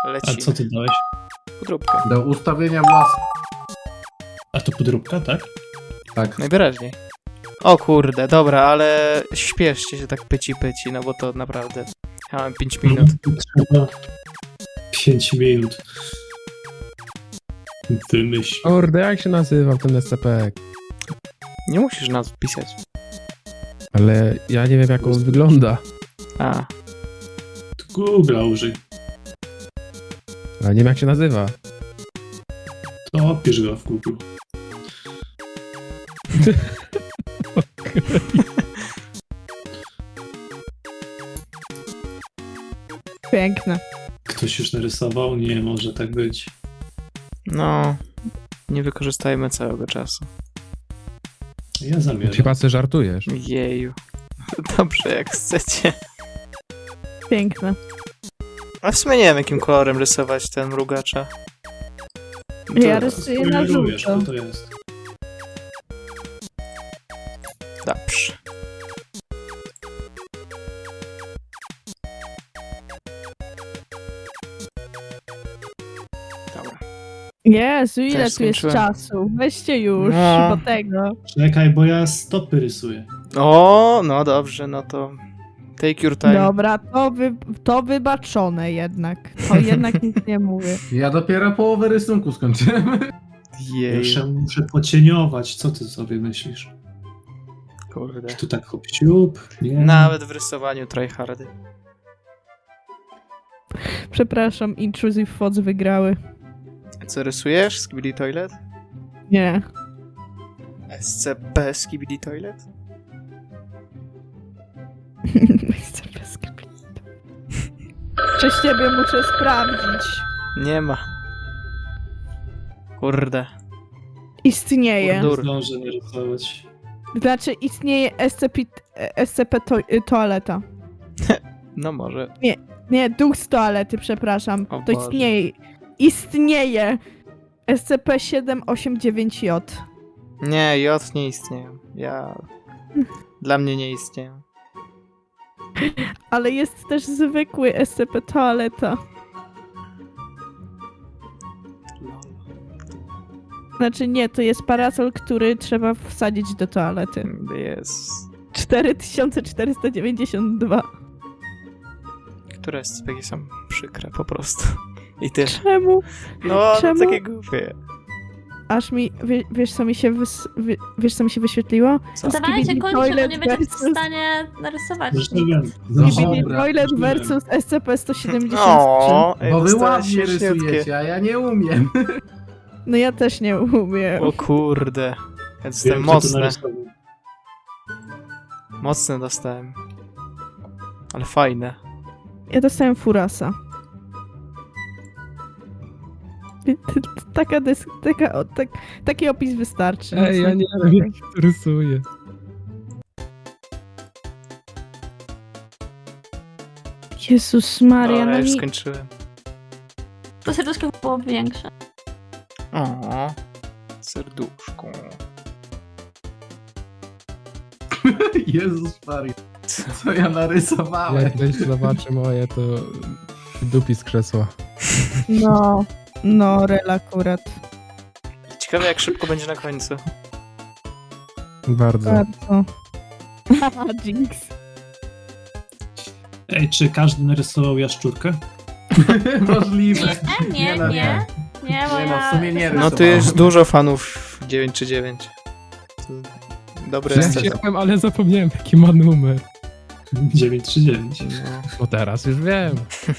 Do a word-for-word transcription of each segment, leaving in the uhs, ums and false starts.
Leci. A co ty dałeś? Podróbkę. Do ustawienia własnych. A to podróbka, tak? Tak. Najwyraźniej. O kurde, dobra, ale śpieszcie się tak pyci pyci, no bo to naprawdę... Ja mam pięć minut. Trzeba pięć minut. Wymyśl. Kurde, jak się nazywał ten S C P? Nie musisz nazw pisać. Ale ja nie wiem, jak on wygląda. A, Google'a użyj. Ale nie wiem, jak się nazywa. To opisz go w Google. Piękne. Ktoś już narysował? Nie może tak być. no... Nie wykorzystajmy całego czasu. Ja zamierzam. Chyba sobie żartujesz. Jeju. Dobrze, jak chcecie. Piękne. A w sumie nie wiem, jakim kolorem rysować ten mrugacza. Ja To- rysuję na Spoilerujesz, żółto. co to jest? Dobrze. Dobra. Jezu, ile Też tu jest skończyłem. czasu? Weźcie już No. do tego. Czekaj, bo ja stopy rysuję. O, no dobrze, no to take your time. Dobra, to, wy, to wybaczone jednak. To jednak nic nie mówię. Ja dopiero połowę rysunku skończyłem. Jej, Jeszcze muszę pocieniować. Co ty sobie myślisz? kurde. Czy tu tak hop siup? Nie. Nawet w rysowaniu tryhardy. Przepraszam, Intrusive Thoughts wygrały. Co rysujesz? Skibidi Toilet? Nie. S C P Skibidi Toilet? Chcę bez kaplicy. Przez ciebie muszę sprawdzić. Nie ma. Kurde. Istnieje. Kurdur. Zdążę narysować. Znaczy istnieje S C P, S C P to, toaleta. No może. Nie, duch z toalety, przepraszam. O To Boże. istnieje. Istnieje. S C P siedem osiem dziewięć J. Nie, J nie istnieją. Ja... Dla mnie nie istnieją. Ale jest też zwykły S C P toaleta. Znaczy nie, to jest parasol, który trzeba wsadzić do toalety. Jest. cztery tysiące czterysta dziewięćdziesiąt dwa. Które S C P są przykre po prostu. I tyle. Czemu? No, no Czemu? takie głupie. Aż mi, wie, wiesz co mi się wys, wie, wiesz co mi się wyświetliło? Co? Dawajcie, Skibidi kończę, bo Toilet nie będziemy w versus- stanie narysować. Zresztą wiem. Skibidi Dobra. Toilet versus S C P sto siedemdziesiąt trzy. O, ej, Bo wy dostałem ładnie śmieszniutkie. rysujecie, a ja nie umiem. No ja też nie umiem. O kurde. Ja Wiem, dostałem kto to mocne. narysował. Mocne dostałem. Ale fajne. Ja dostałem furasa. Taka dys, taka, o, tak, taki opis wystarczy. Ej, ja nie wiem, jak się to rysuje. Jezus Maria, Dobra, no już mi... skończyłem. To serduszko było większe. O, serduszko. Jezus Maria. Co ja narysowałem? Jak ktoś zobaczy moje, to dupi z krzesła. No, no, rel akurat. Ciekawe jak szybko będzie na końcu. Bardzo. Bardzo. Haha, Jinx. Ej, czy każdy narysował jaszczurkę? Możliwe. Nie, nie, no, nie. Nie, bo Nie no, w ja... sumie nie rysowałam. No tu jest dużo fanów dziewięć trzy dziewięć. Dobre Ja jest to. chciałem, ale zapomniałem, jaki ma numer. dziewięć trzy dziewięć. No. No teraz już wiem.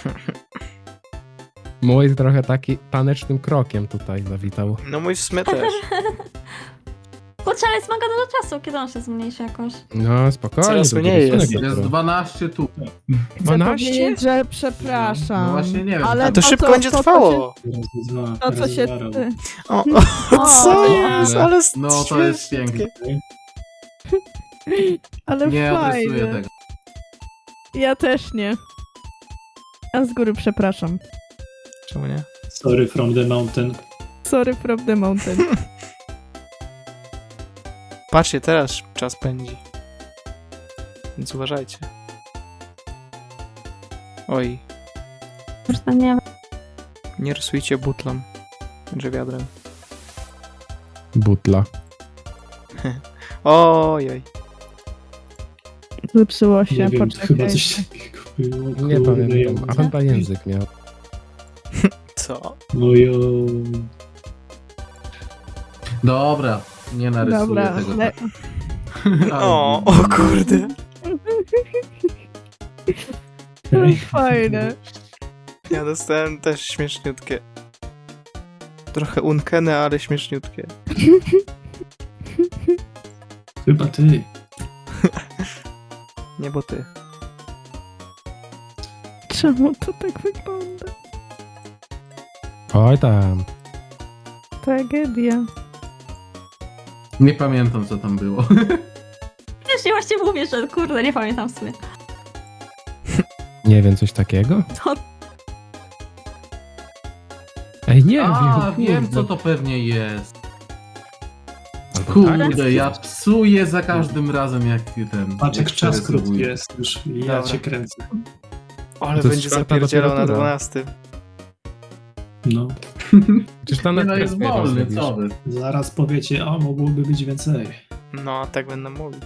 Mój trochę taki tanecznym krokiem tutaj zawitał. no mój w sumie też. Kurczę, ale jest mega dużo czasu, kiedy on się zmniejszy jakoś. No spokojnie. Coraz drugi mniej rysunek jest. dopiero. Jest dwanaście tu. Chcę dwanaście? powiedzieć, że przepraszam. No właśnie nie wiem. Ale A to to, szybko co- będzie to, co trwało. Raz, dwa, się- To, co raz, się... dwa, raz. O, O, co nie. jest? Ale No to jest śmiesznie. piękne. Ale Nie odrysuję fajne. tego. Ja też nie. A z góry przepraszam. Czemu nie? Sorry from the mountain. Sorry from the mountain. Patrzcie, teraz czas pędzi. Więc uważajcie. Oj. Już to nie Nie rysujcie butlą. Czy wiadrem. Butla. Ojej. Zepsuło się, Nie wiem, poczekaj. chyba coś takiego było. Nie kurde, pamiętam. A ja- chyba język miał. Co? Ojo. Dobra, nie narysuję Dobra, tego. le- tak. Ale- O, o kurde. Okej. Fajne. Ja dostałem też śmieszniutkie. Trochę unkene, ale śmieszniutkie. Chyba ty. Nie, bo ty. Czemu to tak wygląda? Oj tam. Tragedia. Nie pamiętam, co tam było. Wiesz, ja właśnie mówię, że kurde, nie pamiętam w sumie. Nie wiem, coś takiego? To Ej, nie A, wiem. wiem, kurde. co to pewnie jest. Albo tak? Kurde, ja psuję za każdym razem, jak ten... Patrz, jak jak czas przerysowuję. krótki jest już. Ja Dobra. cię kręcę. Ale To jest będzie czwarta zapierdzielał na dopiero tura. dwunastym. No. Przecież tam Nie na no, jest presję wolny, rozrobisz. co wy? Zaraz powiecie, o, mogłoby być więcej. No, tak będę mówić.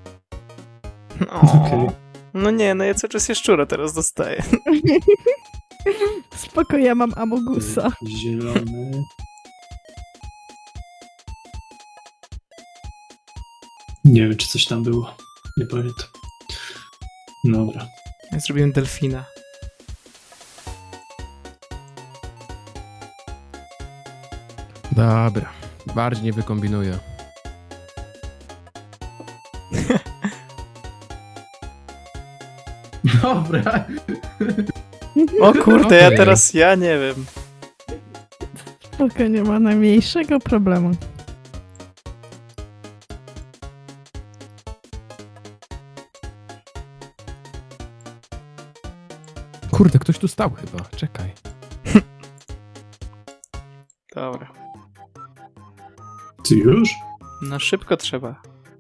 Okej. O. No nie, no ja cały czas szczura teraz dostaję. Spoko, ja mam Amogusa. Zielony. Nie wiem, czy coś tam było. Nie pamiętam. Dobra. Ja zrobiłem delfina. Dobra. Bardziej nie wykombinuję. Dobra. O kurde, ja Okej. teraz, ja nie wiem. Spoko, nie ma najmniejszego problemu. Kurde, ktoś tu stał chyba. Czekaj. Dobra. Ty już? No szybko trzeba.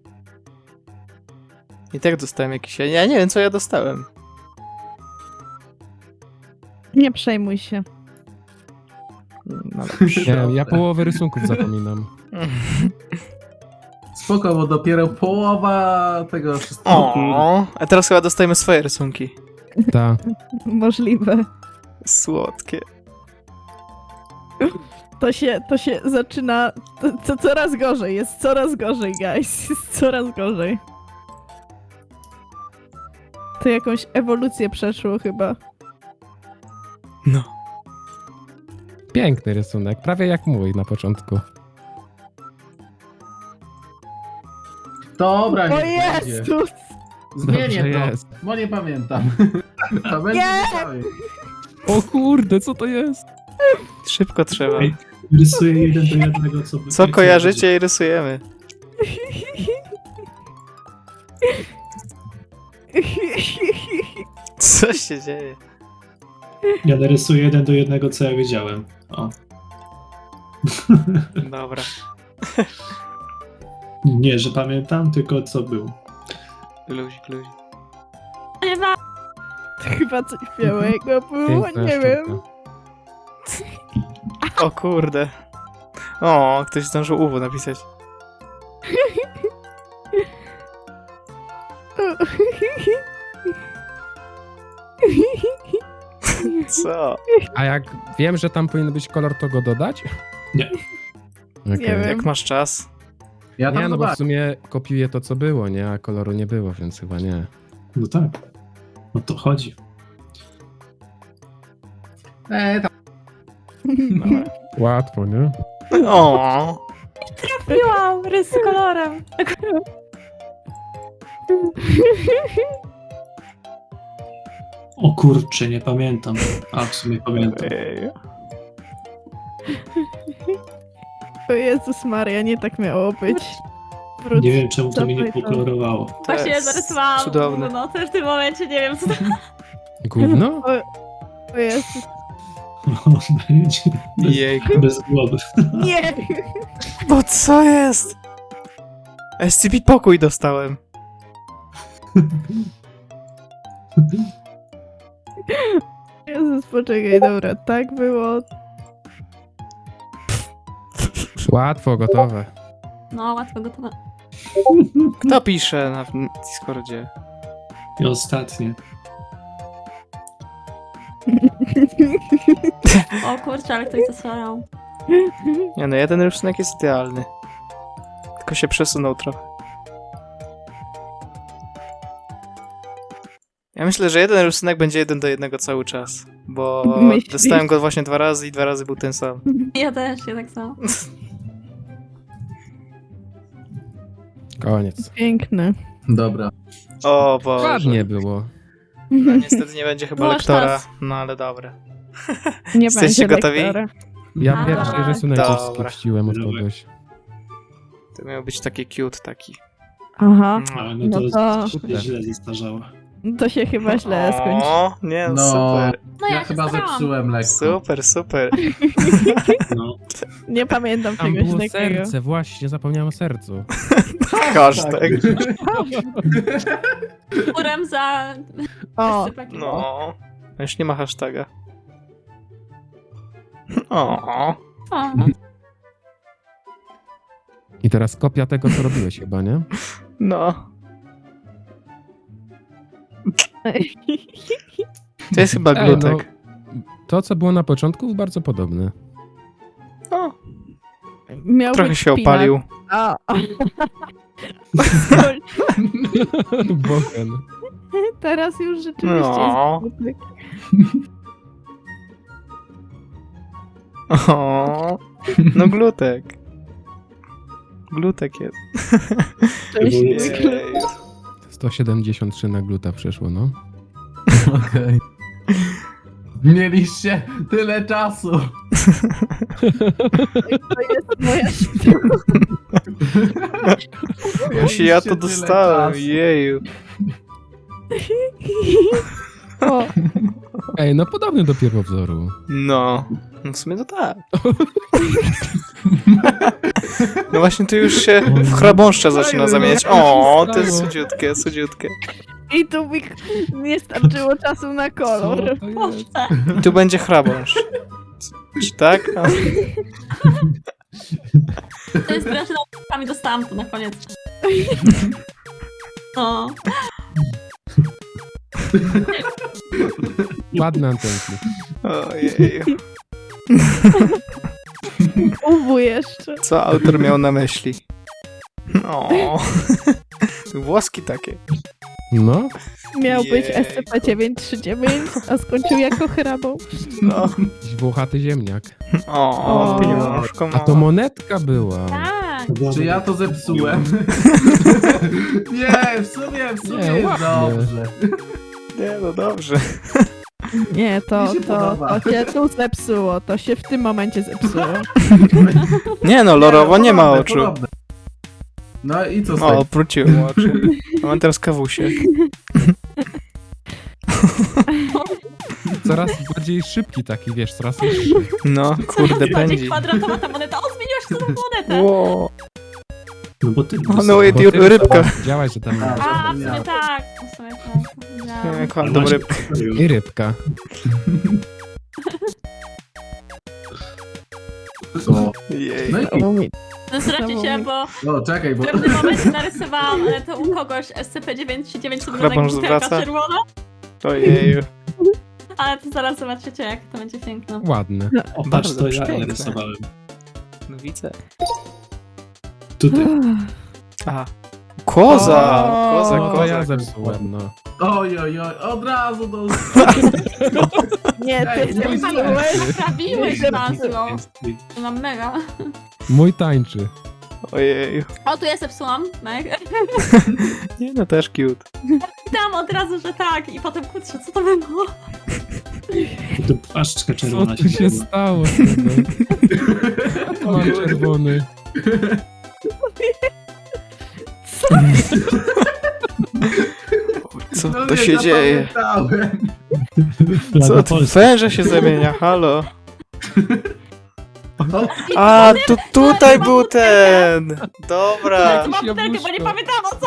I tak dostałem jakiś... Ja nie wiem, co ja dostałem. Nie przejmuj się. No dobrze. Nie, ja połowę rysunków zapominam. Spoko, bo dopiero połowa tego wszystkiego. O, a teraz chyba dostajemy swoje rysunki. Ta. Możliwe. Słodkie. To się, to się zaczyna... To, to coraz gorzej, jest coraz gorzej, guys. Jest coraz gorzej. To jakąś ewolucję przeszło chyba. No. Piękny rysunek. Prawie jak mój na początku. Dobra, O nie będzie. Jezus! Zmienię Dobrze to, jest. bo nie pamiętam. To będzie Nie! cały. O kurde, co to jest? Szybko trzeba. Ej, rysuję jeden do jednego, co... Co kojarzycie i rysujemy. Co się dzieje? Ja narysuję jeden do jednego, co ja wiedziałem. O. Dobra. Nie, że pamiętam, tylko co był. Luzik, luzik. nie ma. Chyba coś białego było, Piękna nie sztuka. wiem. O kurde. O, ktoś zdążył U W napisać. Co? A jak wiem, że tam powinien być kolor, to go dodać? Nie. Okej. Nie wiem. Jak masz czas? Ja tam Nie, no bo w zobaczę. sumie kopiuję to, co było, nie? A koloru nie było, więc chyba nie. No tak. O to chodzi. E, tam. Łatwo, nie? O, Trafiłam rys z kolorem. O kurczę, nie pamiętam. A, w sumie pamiętam. ej. O Jezus Maria, nie tak miało być. Wróć. Nie wiem, czemu to mi nie Cofaj to. pokolorowało. To Właśnie jest zarysowałam cudowne. no też w tym momencie nie wiem co to... Gówno? O Jezus. O, będzie bez, Jejku. bez głowy. Nie! Bo co jest? S C P pokój dostałem. Jezus, poczekaj, dobra, tak było, Łatwo, gotowe. No, łatwo gotowe. Kto pisze na Discordzie? I ostatnie. O kurczę, ale ktoś zasłaniał. Nie no, jeden rysunek jest idealny. Tylko się przesunął trochę. Ja myślę, że jeden rysunek będzie jeden do jednego cały czas. Bo Myślisz? dostałem go właśnie dwa razy i dwa razy był ten sam. Ja też, ja tak samo. Koniec. Piękne. Dobra. O Boże. Ładnie było. No, niestety nie będzie chyba Masz lektora. czas. No ale dobra. Nie Jesteście będzie gotowi? lektora. Ja A, pierwszy rysunek już dobra. skipściłem od Dobra. kogoś. To miał być taki cute taki. Aha, Ale No no to, to- się źle zestarzało. to się chyba źle skończy. O, nie, No, super. No ja, ja się chyba starałam. zepsułem lekko. Super, super. No. Nie pamiętam Tam czegoś było takiego. serce, właśnie, zapomniałem o sercu. Hashtag. Kurem za... O, Sypaki. No. Już nie ma hashtaga. O. O. I teraz kopia tego, co robiłeś chyba, nie? No. To jest chyba Ej, glutek. To, co było na początku, bardzo podobne. O, miał trochę być się szpinak. opalił. O. Bochen. Teraz już rzeczywiście No. jest glutek. O. No glutek. Glutek jest. Cześć, Ewolucja. glutek. Jej. sto siedemdziesiąt trzy na gluta przeszło, no. Okej. Mieliście tyle czasu. To jest moja Jeśli ja to Mieliście tyle dostałem, czasu. jeju. O, Ej, no podobny do pierwowzoru. No. No w sumie to tak. No właśnie tu już się w chrabąszcza zaczyna zamieniać. O, to jest cudziutkie, cudziutkie. i tu mi nie starczyło czasu na Co kolor. to jest? Boże. I tu będzie chrabąszcz. Czy tak? A, To jest wręcz na dostałam to na koniec. No. Ładne antenki. Ojeju. Uwu jeszcze. Co autor miał na myśli? O, włoski takie. No, Miał być Jejku. S C P dziewięć trzy dziewięć, a skończył jako hrabą. No. jakiś włochaty ziemniak. O, O. pieniążko A to ma. monetka była. Tak. Czy ja to zepsułem? Nie, w sumie, w sumie Nie, jest ładnie. dobrze. Nie, no dobrze. Nie, to, Mi się to, podoba. to się tu zepsuło. To się w tym momencie zepsuło. Nie no, lorowo nie ma Podobne, oczu. podobne. No i co z O, tego? obróciłem oczy. A mam teraz kawusie. Coraz bardziej szybki taki, wiesz, coraz szybszy. No, kurde, Bardziej pędzi. kwadratowa ta moneta. O, zmieniłaś się na monetę. Ło. No bo ty... O, no, Bo i ty rybka. Działaś, że tam A, A, w Ja. sumie tak. W sumie tak. Widziałam. Nie, kładam rybkę. i rybka. O, Jej. no i O, mi- Zesracie się, bo o, czekaj, bo... w pewnym momencie narysowałam e, to u kogoś S C P dziewięć trzy dziewięć Chrapąż butelka zwraca? czerwona, Ojeju. ale to zaraz zobaczycie, jak to będzie piękne. Ładne. O, patrz, Bardzo to ja piękne. rysowałem. No widzę. Tutaj. Aha. Koza! O, Koza, No to koza. ja zepsułem, no. Oj, oj, oj, od razu do... Nie, ty Ej, mój zepsułeś. Naprawiłeś Nie, nazwą. Jest- Mam mega. Mój tańczy. Ojeju. O, tu ja zepsułam. Meg. Nie no, też cute. Dam od razu, że tak i potem kurczę, co to było? To płaszczka Co czerwona tu się zrobiła. stało? z tego? Mam czerwony. Co No to nie się dzieje? zapamiętałem. Co Flaga to? Polski. Węże się zamienia, halo. O, A, tu, tutaj był ten! Dobra. To mam butelkę, bo nie jabłuszko. pamiętam o co.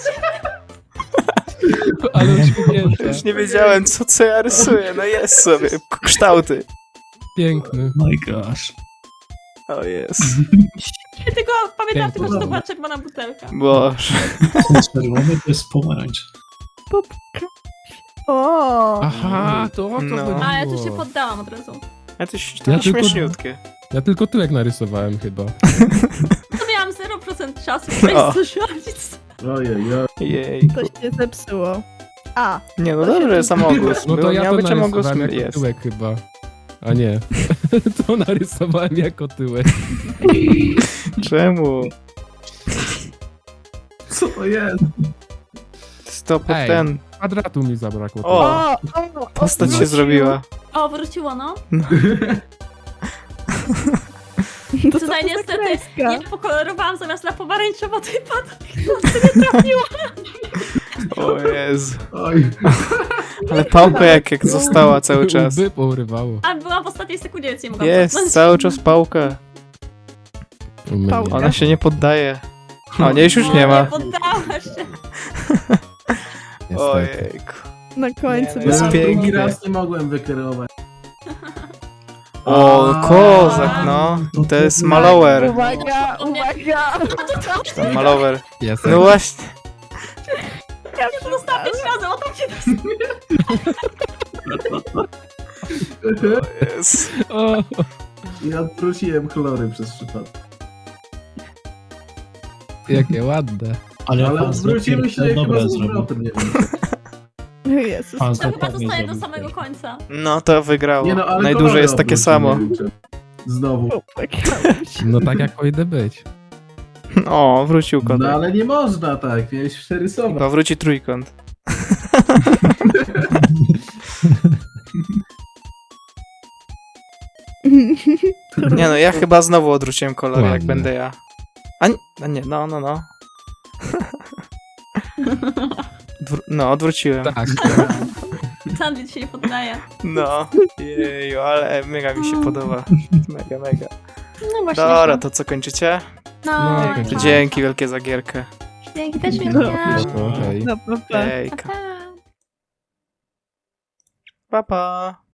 Ale uśmiechnięte. Już nie wiedziałem, co, co ja rysuję. No jest sobie. K- Kształty. Piękny. My gosh. O jest. Ja tylko pamiętam tylko, że to dobra. była czerwona butelka. Boże. Ten czerwony to jest pomarańcz. O! Aha, to o to No. chodziło. A ja tu się poddałam od razu. A to, się- Ja to tylko- śmieszniutkie. Ja tylko tyłek narysowałem chyba. To miałam zero procent czasu, O. to się robić. Ojej, oj. Jej. To się zepsuło. A, Nie no To się dobrze, tu- samogłos. No to Było- ja miał to być samogłos. narysowałem jako Jest. tyłek chyba. A nie. To narysowałem jako tyłek. Czemu? Co to jest? Stop Ej. ten. Kwadratu mi zabrakło. O. o, o, Postać się wróciło. zrobiła. O, wróciło, no. To co Tutaj to za niestety kreska? ja pokolorowałam zamiast na pomarańczowo, to i padł. O Jezu. Oj. Ale pałka jak, jak została cały czas. Łby pourywało. A byłam w ostatniej sekundzie, więc nie mogłam Jest, cofnąć. cały czas pałka. U mnie. Pałka. Ona się nie poddaje. O, nie, już już nie ma. Nie poddała się. Niestety. Ojejku. Na końcu. Nie, no jest Ja pięknie. drugi raz nie mogłem wykierować. O, kozak, no. To jest malower. Uwaga, uwaga! Ten malower. Jest. No właśnie. Ja to dostałam pięć razy, o tak się O Jezu. O, Ja odwróciłem chlory przez przypadek. jakie ładne. Ale, Ale pan odwróciły się Zopir to chyba dobre z zrobił. powrotem, nie wiem. Jezus. Pan To chyba Zopir nie zostaje do zrobił samego też. końca. No to wygrało. Nie no, ale Najdłużej kolory jest takie odwróciły, samo. nie liczę. Znowu. Popłakałam się. No tak jak powinny być. O, wrócił No kotek. ale nie można tak, miałeś przerysować. Chyba wróci trójkąt. Nie no, ja chyba znowu odwróciłem kolor, jak Ładnie. będę ja. A nie, a nie no, no, no. Dwr- no, odwróciłem. Tak. Sandwich się nie poddaje. No, jeju, ale mega mi się podoba. Mega, mega. No właśnie. Dobra, to co, kończycie? No, No, no, kończymy. Dzięki wielkie za gierkę. Dzięki też No. wielkie. Okej. No, pa, pa. Ejka. Pa. Pa, pa.